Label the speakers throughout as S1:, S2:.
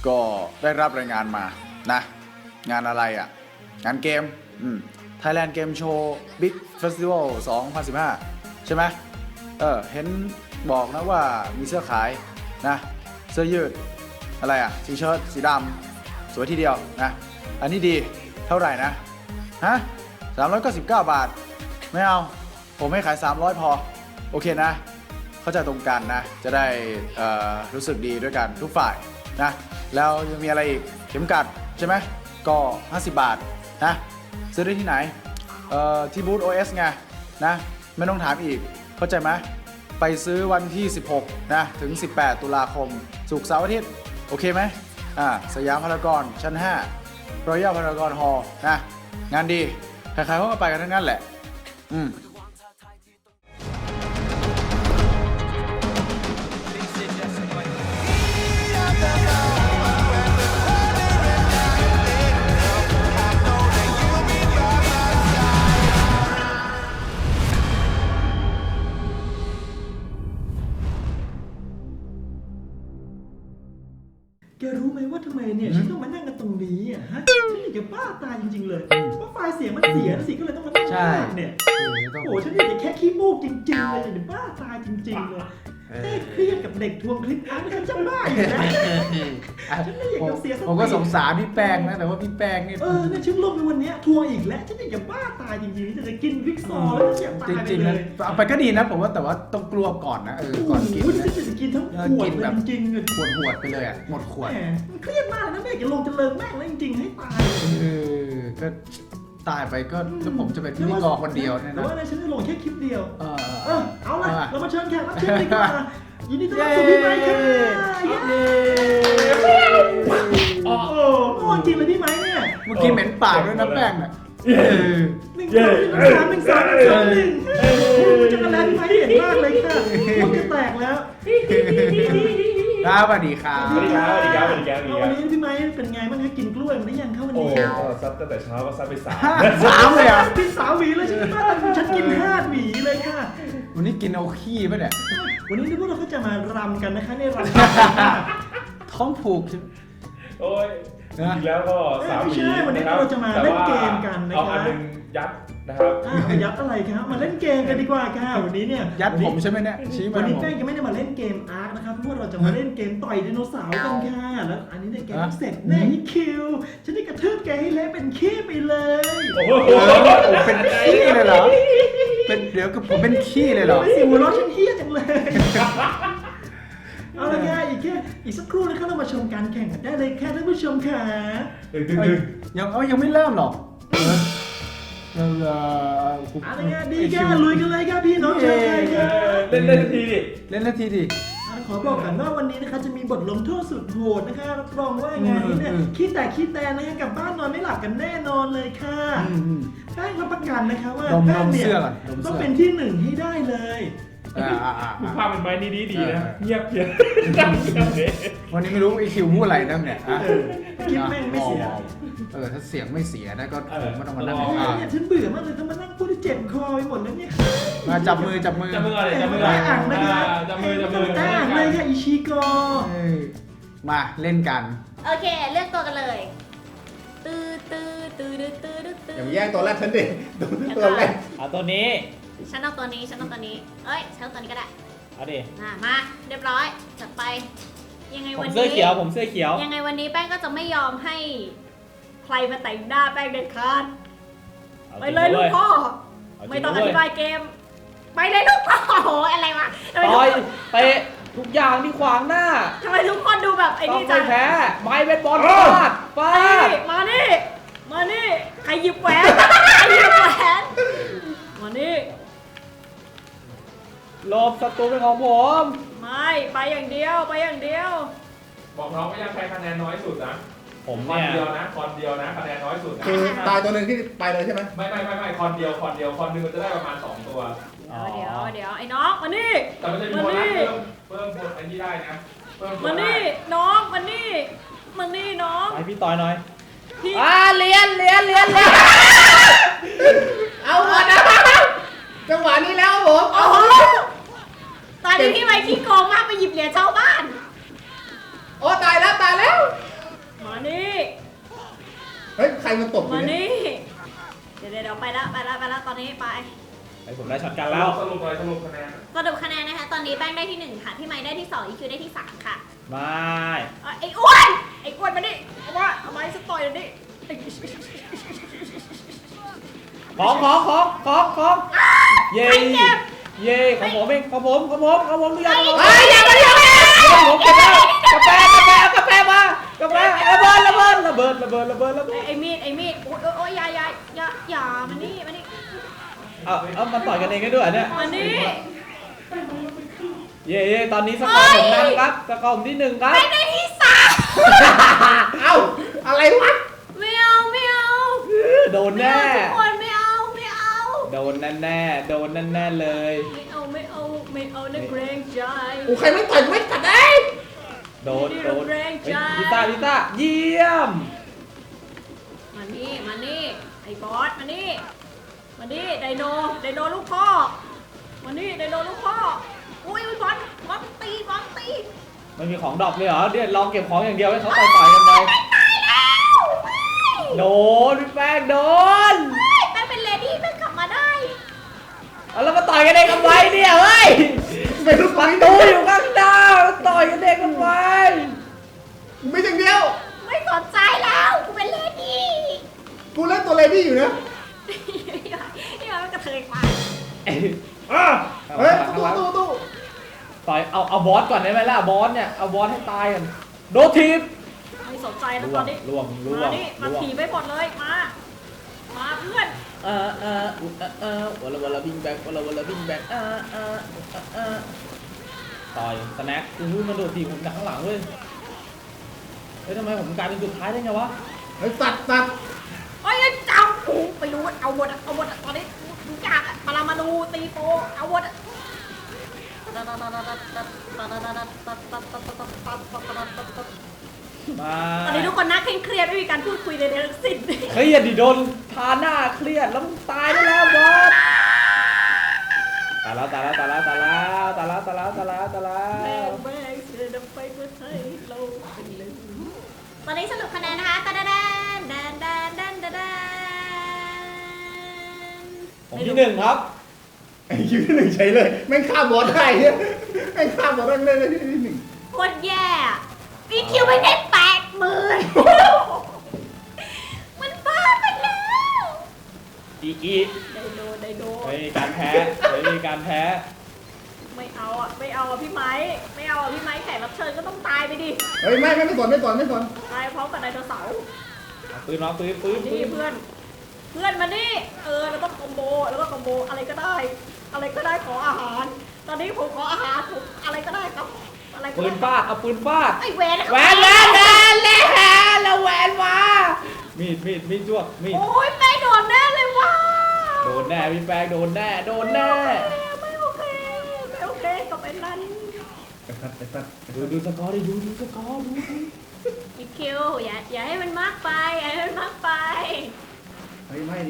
S1: ก็ได้รับรายงานมานะงานอะไรอ่ะงานเกมThailand Game Show Big Festival 2015 ใช่ไหมเห็นบอกนะว่ามีเสื้อขายนะเสื้อยืดอะไรอ่ะทีเชิ้ตสีดำสวยทีเดียวนะอันนี้ดีเท่าไหร่นะฮะ399 บาทไม่เอาผมให้ขาย300พอโอเคนะเข้าใจตรงกันนะจะได้รู้สึกดีด้วยกันทุกฝ่ายนะแล้วยังมีอะไรอีกเข็มกัดใช่ไหมก็50 บาทนะซื้อได้ที่ไหนที่บูธ OS ไงนะไม่ต้องถามอีกเข้าใจไหมไปซื้อวันที่16นะถึง18ตุลาคมศุกร์เสาร์อาทิตย์โอเคไหมสยามพารากอนชั้น5รอยัลพารากอนฮอลล์นะงานดีใครๆเขาก็ไปกันทั้งนั้นแหละ
S2: แกรู้ไหมว่าทำไมเนี่ยฉันต้องมานั่งกันตรงนี้อ่ะฮะฉันอยากจะบ้าตายจริงๆเลยเพราะไฟล์เสียงมันเสียสิก็เลยต้องมานั่งเนี่ยโอ้ฉันอยากจะแค่ขี้มูกจริงๆเลยอยากจะบ้าตายจริงๆเลยเครียดกับเด็กทวงคลิปอาร์ตฉันจะบ้าอยู่นะฉันไม่อยากจะเสียสติ
S1: ผมก็สงสารพี่แป้งนะแต่ว่าพี่แป้งนี่
S2: เนี่ยฉันลงในวันนี้ทวงอีกแล้วฉันอยากจะบ้าตายจริงๆจะกินวิกซอแล้วฉันอยากตายไปเลย
S1: เอาไปก็ดีนะผมว่าแต่ว่าต้องกลัวก่อนนะก่อนกินนะ
S2: จะกินทั้งขวดเลยจริง
S1: ๆขวดไปเลยอ่ะหมดขวด
S2: มันเครียดมากนะไม่อยากจะลงจะเลิกแม่งแล้วจริงๆให้ตาย
S1: ก็ตายไปก็ผมจะเป็นพิธีกรคนเดียวเนี่ยนะ
S2: แต่ว่าฉันจะลงแค่คลิปเดียวเอาล่ะเรามาเชิญแขกรับเชิญดีกว่ายินดีต้อนรับสู่พี่ไมค์ค่ะโอ้โหจริงเลยพี่ไมค์เนี่ย
S1: เมื่อกี้เหม็นปากด้วยนะแป้งน่ะ
S2: 1 2 3 1 2 1 1จะกระแลพี่ไมค์เห็นมากเลยค่ะมันจะแตกแล้ว
S1: สวัสดีครับ
S2: วันนี้พี่ไมค์เป็นไงบ้างคะกินกล้วยมันได้ยังเข้าวันนี้
S3: ซัดตั้งแต่เช้าก็ซัดไป
S1: 3เลยอ่ะ
S2: กิน3 หวีเลยฉันกิน5 หวีเลยค่ะ
S1: วันนี้กินเอาขี้ป่ะเนี่ย
S2: วันนี้พวกเราก็จะมารำกันนะคะในร
S1: ำท้องผูก
S3: โอ้ยแล้วก็3 หวี
S2: วันนี้เราจะมาเล่นเกมกันนะครับ
S3: เอาอันนึงยัดนะครับ
S2: ยัดอะไรครับมาเล่นเกมกันดีกว่าค่ะวันนี้เนี่ย
S1: ยัดผมใช่ไหมเนี่ย
S2: วันนี้แป้งจะไม่ได้มาเล่นเกมอาร์คนะครับเพราะเราจะมาเล่นเกมต่อยไดโนเสาร์กันค่ะแล้วอันนี้เนี่ยแกเสร็จแน่คิวฉันได้กระทืบแกให้เละเป็นขี้ไปเลย
S1: โอ้โหเป็นขี้เลยเหรอเป็นเดี๋ยวกับผมเป็นขี้เลยเหรอ
S2: สิหัวเราะฉันเฮี้ยจังเลยเอาละค่ะอีกสักครู่นะครับเรามาชมการแข่งกันได้เลยค่ะท่านผู้ชมค่ะ
S1: ยังไม่เริ่มหรอก
S2: อะไรเงี้ยดีแค่ลุยกันเลยครับพี่น้องชาวไทยครับ
S3: เล่นนาทีดิ
S2: ขอบอกกันว่าวันนี้นะคะจะมีบทลงโทษสุดโหดนะคะรับรองว่างานนี้เนี่ยขี้แตกนะคะกลับบ้านนอนไม่หลับกันแน่นอนเลยค่ะแป้งรับประกันนะคะว่าแป้งเนี่ยต้องเป็นที่1ให้ได้เลย
S3: ภาพเป็นไม้นี่ดีนะเงียบเพียง
S1: วันนี้ไม่รู้ไอคิวพูดอะไรนั่นเนี่ย
S2: คิดแม่งไม่เสีย
S1: ถ้าเสียงไม่เสียนะก็ผมไม่ต้องมานั่ง
S2: เนี่ยฉันเบื่อมากเลยต้องมานั่งพูดที่เจ็บคอไปหมดแล้วเนี่ย
S1: มาจับมือ
S3: อะไร
S2: อ่างนะคะ
S3: จับมือ
S2: อ่างเลยค่ะอิชิโก
S1: มาเล่นกัน
S4: โอเคเลือกตัวกันเลย
S1: อย่ามาแย่งตัวแรกฉันดิตัวแรก
S3: เอาตัวนี้
S4: ฉันเอาตัวนี้ฉันเอาตัวนี้เอ้ยฉันเอาตัวนี้ก็ได้
S3: เอาดิ
S4: มาเรียบร้อยจัดไปยังไงวันนี้
S3: ผมเสื้อเขียว
S4: ยังไงวันนี้แป้งก็จะไม่ยอมให้ใครมาแต่งหน้าแป้งเด็ดขาดไปเลยลูกพ่อไม่ต้องอธิบายเกมไปเลยลูกพ่อโอ้อะไรวะ
S3: ต่อยเตะทุกอย่างที่ขวางหน้า
S4: ทำไมทุกคนดูแบบไอ้นี่
S3: จังแพ้ไม้เบสบอลฟาด
S4: มานี่ใครหยิบแหวนมานี่
S3: ลบศัตรูเป็นของผม
S4: ไม่ไปอย่างเดียว
S3: บอกน้องไม่ยังใครคะแนนน้อยสุดนะผมคอนเดียวนะคะแนนน้อยสุด
S1: คือตายตัวหนึ่งที่ไปเลยใช่ไหม
S3: ไม่คอนเดียวคอนหนึ่งมันจะได้ประมาณ2 ตัว
S4: เดี๋ยวไอ้น้องมานี่
S3: แต่มันจะมีโบนัสเพิ่มไอ้นี่ได้นะ
S4: มานี่น้องมานี่น้อง
S3: ไปพี่ต่อยหน่อย
S4: เรียน
S1: เอาหมดนะจังหวะนี้แล้วผม
S4: ตอนนี้พี่ไมค์ขี้โกงมากไปหยิบเหรียญชาวบ้าน
S1: โอ้ตายแล้ว
S5: มันตบ
S4: มา
S5: เนี่ย
S4: นี่เดี๋ยวไปละตอนนี้ไป
S6: ไอ้ผมได้ช็อตกันแล้ว
S3: สรุปเลยสรุปคะแนน
S4: สรุปคะแนนนะคะตอนนี้แป้งได้ที่1ค่ะพี่ไม้ได้ที่2อีคิวได้ที่3ค่ะ
S6: ไม่
S4: ไอ้อ้วนมาดิเอาไม้สต่อยดิ
S6: ของเย้เย้ของผมเองของผมทุกอย่างของผม
S4: อย่ามา
S6: ผมเก็บแล้วกาแฟมากาแฟระเบิด
S4: ไอ้มีดโอ้ยอย่ามานี่
S6: เอามันต่อยกันเองได้ด้วยเนี่ย
S4: มานี่
S6: เย้ตอนนี้สกอร์ผมนั่งครับสกอร์ผมที่1ครับ
S4: ไม่ได้ที่3
S5: เอ้าอะไรวะ
S4: ไม่เอา
S6: โดนแน่
S4: ทุกคนไม่เอา
S6: โดนแน่เลย
S4: ไม่เอานะเกรงใจ
S5: กูใครไม่ต่อยไม่กัดได้
S6: โดน
S4: แรงใจ
S6: พิต้าเยี่ยม
S4: มานี่ไอ้บอสมานี่ไดโนลูกพ่อมานี่ไดโนลูกพ่ออุ้ยบอสตี
S6: มันมีของดรอปเลยเหรอเดี๋ยวลองเก็บของอย่างเดียวให้เขาต่อยกันไป โดนพี่แป้งโดน
S4: แป้งเป็นเลดี้แป้งกลับมาได้
S6: เอาแล้วมาต่อยกันเองทำไมเนี่ยเฮ้ย
S5: ไม่รู้
S6: ประตูอยู่ข้างหน้ามาต่อยกันเองทำไม
S5: ไม่อย่างเดียว
S4: ไม่สนใจแล้วกูเป็นเลดี้
S5: กูเล่นตัวเลดี้อยู่นะ
S4: นี่มันกระเทยมา
S5: เฮ้ยตู้
S6: ต่อยเอาบอสก่อนได้ไหมล่ะบอสเนี่ยเอาบอสให้ตายกันโดนทีบ
S4: ไม่สนใจแล้วตอนนี้
S6: ล่วง
S4: มานี่มาถีบไปหมดเลยมาเพื่อน
S6: วลาวิ่งแบ็คต่อยสแน็คมันโดดทีบผมจากข้างหลังเว้ยเฮ้ยทำไมผมกลายเป็นสุดท้ายได้ไงวะ
S5: เฮ้ยตัด
S4: เฮ้ยจับกูไปรู้เอาหมดตอนนี้ดูยากมาดูตีโฟเอาหมดตอนนี้ทุกคนน่าเครียดไม่มีการพูดคุยใดๆทั้งสิ้น
S6: เครียดดิโดนทาหน้าเครียดแล้วมึงตายได้แล้วบอสตายแล้ว
S4: แม่งเสือดำไปเมื่อไทยเราเป็นเลยตอนนี้สรุปคะแนนนะคะแดน
S6: ผมที่1ครับ
S5: ไอ้คิวที่1ใช้เลยแม่งฆ่าบอสได้เนี่ยแม่งฆ่าบอสได้เลยที่1
S4: โคตรแย่อีคิวไม่ได้80,000มันบ้าไปแล้ว
S6: อี
S4: ไดโด
S6: ไม่มีการแพ้
S4: ไม่เอาอ่ะพี่ไม้แขกรับเชิญก็ต้องตายไปดิ
S5: เฮ้ยไม่สน
S4: ตายพร้อมกับไดโนเสาร์
S6: ปืน
S4: นี่เพื่อนมานี่แล้วก็คอมโบอะไรก็ได้ขออาหาร ตอนนี้ผมขออาหารผมอะไรก็ได้ครับอะไรก็
S6: ปื
S4: ได้
S6: นฟาดเอาปืนฟาด
S4: ไอ้แหวน
S6: แหวนแล้วแหวนมามีดจ้วงมีด
S4: โอ้ยแม่โดนแน่เลยว่ะ
S6: โดนแน่พี่แป้งโดนแน่
S4: ไม่โอเคกับไอ้นั่น
S6: ดูสกอร์ดิดูสกอร์ดู
S4: อีคิวอย่าให้มันมากไปเ
S5: ฮ้ยไม่ดิ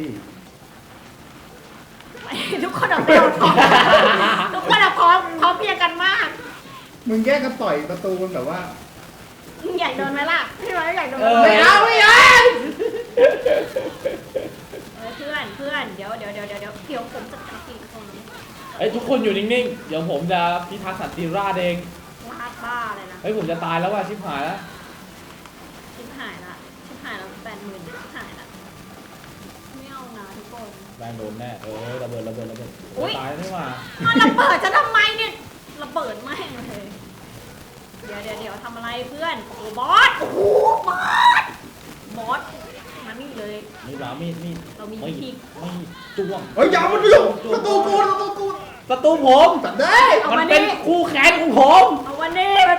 S4: ทุกคนเอาไปเอาของทุกคนเอาของเพียงกันมาก
S5: มึงแยกกันต่อยประตูมันแบบว่า
S4: มึงอยากโดนไหมล่ะพี่ไม้อยากโดน
S5: ไม่เอา
S4: เพื่อนเดี๋ยวผมจะจัดการตรงนี้
S6: ไอ้ทุกคนอยู่นิ่งๆเดี๋ยวผมจะพิทักษ์สันติราษฎร์เอง
S4: ลาดบ้าเลยนะ
S6: เฮ้ยผมจะตายแล้วว่ะชิบหายแล้ว
S4: ชิบหายละ80,000ชิบหายละไม่เอานะทุกคน
S6: แป้งโดนแน่ระเบิด
S4: อุ๊ย
S6: ตายไม่มา
S4: มันระเบิดจะทำไมเนี่ยระเบิดไม่เลยเดี๋ยวทำอะไรเพื่อนโอ้บอสบอสมานี่เลย
S6: มีดมีด
S4: เรามี
S6: ไม่
S4: พริก
S6: จ้วง
S5: เฮ้ยอย่ามันอยู่ประตูกู
S6: ประตูผม
S5: ตัดได้
S6: มันเป็นคู่แข่งของผม
S4: เอาวันนี้มัน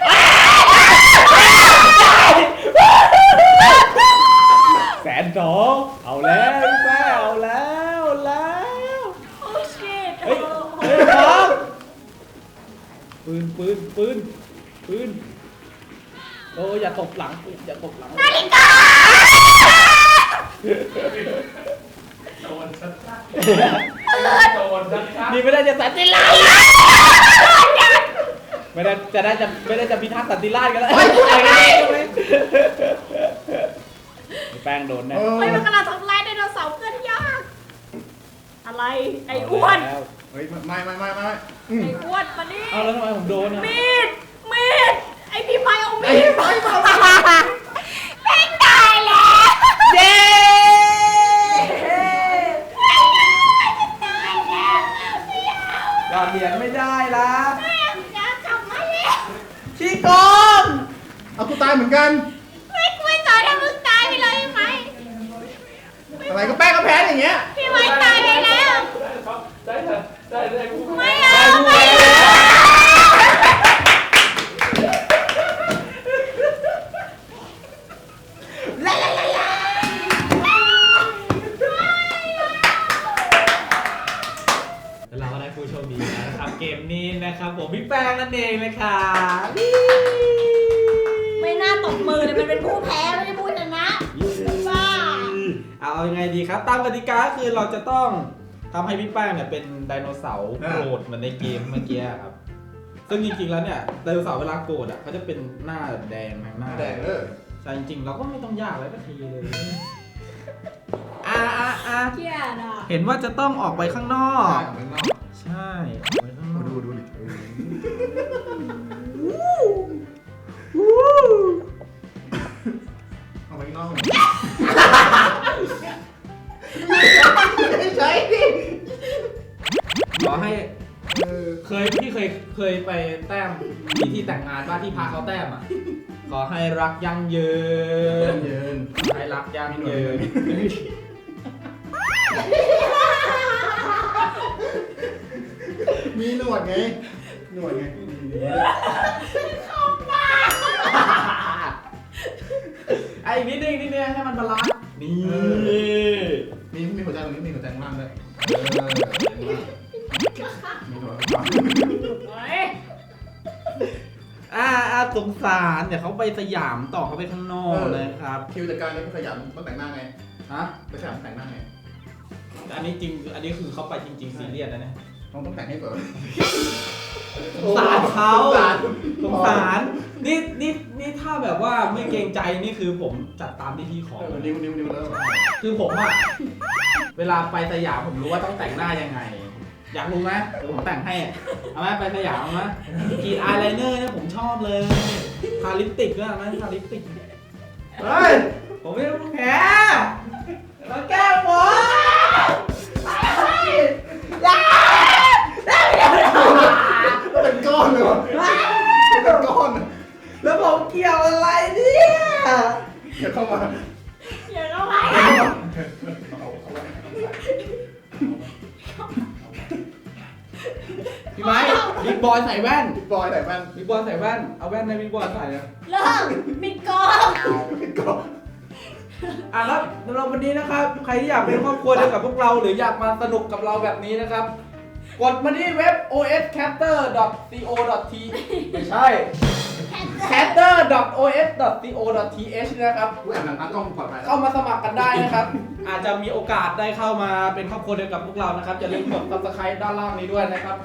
S6: 120,000เอาแล้วพี่แป้งเอาแล้ว
S4: โอ้ชิต
S6: เฮ้ยครับปืนโอ้อย่าตบหลัง
S4: นาฬิกา
S3: โดนชัดๆ
S6: นี่ไม่ได้จะสันติราษฎร์ไม่ได้จะพิทักษ์สันติราษฎร์กันแล้วแป้งโดนแน่
S4: เฮ้ยมันกำลังทำลายไดโนเสาร์เพื่อนยากอะไรไอ้อ้วน
S6: เอาแล้ว
S5: เฮ้ยไม่
S4: ไอ้อ้วนมานี่
S6: เอาแล้วทำไมผมโดนอ่ะ
S4: มีดไอ้พี่ไม้เอามีดแม่งตายแล้ว
S6: เย้
S4: ตายแล้ว
S6: ยอดเหรียญไม่ได้ละ
S4: แม่งจะกลับมาแล้ว
S6: ขี้โกง
S5: เอากูตายเหมือนกัน
S4: ไม่สอนให้มึงตายไปเลยพี่ไม้
S5: อะไรก็แป้งก็แพ้อย่างเงี้ย
S4: พี่ไม้ตายไปแล้ว
S3: ได้เถอะได้กู
S4: ไม่เอาไม่
S6: เราก็ได้ผู้โชคดีแล้วนะครับเกมนี้นะครับผมพี่แป้งนั่นเองเลยค่ะ
S4: ไม่น่าตบมือเลยมันเป็นผู้แพ้ไม่ได้ผู้ชนะบ้า
S6: เอายังไงดีครับ ตามกติกาคือเราจะต้องทำให้พี่แป้งเนี่ยเป็นไดโนเสาร์โกรธเหมือนในเกมเมื่อกี้ครับ ซึ่งจริงๆแล้วเนี่ยไดโนเสาร์เวลาโกรธอ่ะเขาจะเป็นหน้าแดงทางหน้า
S5: แดง
S6: แต่จริงๆเราก็ไม่ต้องยากเลยสักทีเลย
S4: เกลียดอ่ะ
S6: เห็นว่าจะต้องออกไปข้างนอก
S5: ข้างนอก
S6: ใช่ออกไปข้างนอก
S5: ดูดิเอาไปข้างนอกใช่ดิ
S6: ขอให้พี่เคยไปแต้มที่แต่งงานบ้านที่พาเขาแต้มอ่ะ ขอให้รักยั่งยืน
S5: ยืน
S6: ให้รักยั่งยืน
S5: มีหนวดไงหนวดไง
S6: ไอ้นิดนึงให้มันบาลานซ์นี่
S5: มีหัวใจตรงนี้มีหัวใจข้างล่างด้วยมีหนวด
S4: เฮ้ย
S6: สงสารเดี๋ยวเขาไปสยามต่อเขาไปข้างนอกเลยครับ
S5: คิวจัดการเลยไปขยันต้องแต่งหน้าไง
S6: ฮะ
S5: ไปขยันแต่งหน้าไง
S6: อันนี้จริงอันนี้คือเขาไปจริงๆซีเรียสนะเนี่ย
S5: ต้องแต่งให้ก่อน
S6: สงสารเขา
S5: สงสาร
S6: นี่ถ้าแบบว่าไม่เกรงใจนี่คือผมจัดตามที่พี่ขอ
S5: นิ้วแล้ว
S6: คือผมอะเวลาไปสยามผมรู้ว่าต้องแต่งหน้ายังไง อยากรู้ไหมเดี๋ยวผมแต่งให้เอาไหมไปสยามเอาไหมกรีดอายไลเนอร์เนี่ยผมชอบเลยทาลิปสติกด้วยไหมทาลิปสติกเฮ้ยผมไม่ต้องแพ้มาแก้ผม
S5: เป็นก้อนเลยวะเป็นก้อน
S6: แล้วผมเกี่ยวอะไรเนี่ย
S5: เดี๋ยวเข้ามา
S4: อย่าเข้าไป
S6: พี่ไม้บิ๊กบอยใส่แว่น
S5: บอยแต่แว่น
S6: บิ๊กบอยใส่แว่นเอาแว่นในบิ๊กบอยใส่เลย
S4: เลิกปิดกอง
S5: เป็นก้อน
S6: แล้วสำหรับวันนี้นะครับ ใครที่อยากเป็นครอบครัวเดียวกับพวกเราหรืออยากมาสนุกกับเราแบบนี้นะครับ กดมาที่เว็บ oscatter.co.th ไม่ใช่ catter.os.co.th นะครับ
S5: กูแอบหลังตากล้องปลอดภัย
S6: เข้ามาสมัครกันได้นะครับ อาจจะมีโอกาสได้เข้ามาเป็นครอบครัวเดียวกับพวกเรานะครับอย่าลืมกด subscribe ด้านล่างนี้ด้วยนะครับ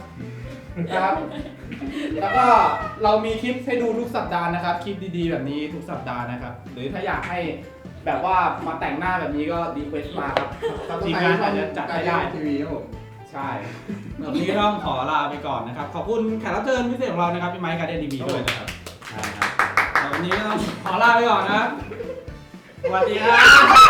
S6: แล้วก็เรามีคลิปให้ดูทุกสัปดาห์นะครับ คลิปดีๆแบบนี้ทุกสัปดาห์นะครับ หรือถ้าอยากให้แบบว่ามาแต่งหน้าแบบนี้ก็รีเควสต์มาครับทีมงานอาจจะจัดให้ได้
S5: ทีวีครับผม
S6: ใช่วันนี้ต้องขอลาไปก่อนนะครับ ขอบคุณแขกรับเชิญพิเศษของเรานะครับพี่ไมค์การเดนทีวีด้วยนะครับใช่ครับวันนี้ก็ต้องขอลาไปก่อนนะสวัสดีครับ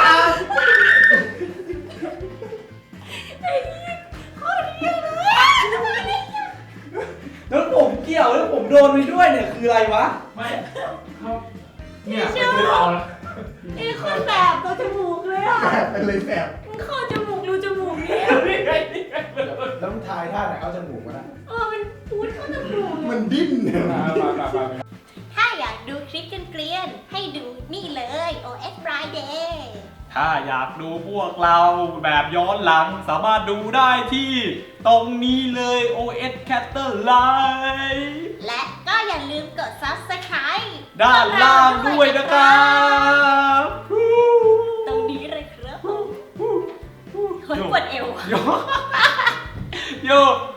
S6: แล้วผมเกี่ยวแล้วผมโดนไปด้วยเนี่ยคืออะไรวะ
S3: ไม่เขา
S6: เนี่ย
S3: ไม่คือเอาละ
S4: นี่คือแบบตัวจมูกเลยอ่ะ
S5: เป็นเลยแสบ
S4: มึงเข้าจมูกรูจมูกเนี่ย
S1: แล้วมึงทายท่าไหนเอาจมูกมานะ
S4: มันพูดเข้าจมูก
S5: มันดิ้นเนี่ย
S3: ไป
S4: ถ้าอยากดูคลิปเกลียนๆให้ดูนี่เลย OS Friday
S3: ถ้าอยากดูพวกเราแบบย้อนหลังสามารถดูได้ที่ตรงนี้เลย OS Catter Live
S4: และก็อย่าลืมกด Subscribe
S3: ด้านล่างด้วยนะครับ
S4: ตรงนี้เลยครับผมเฮ้ยปวดเอว
S3: โย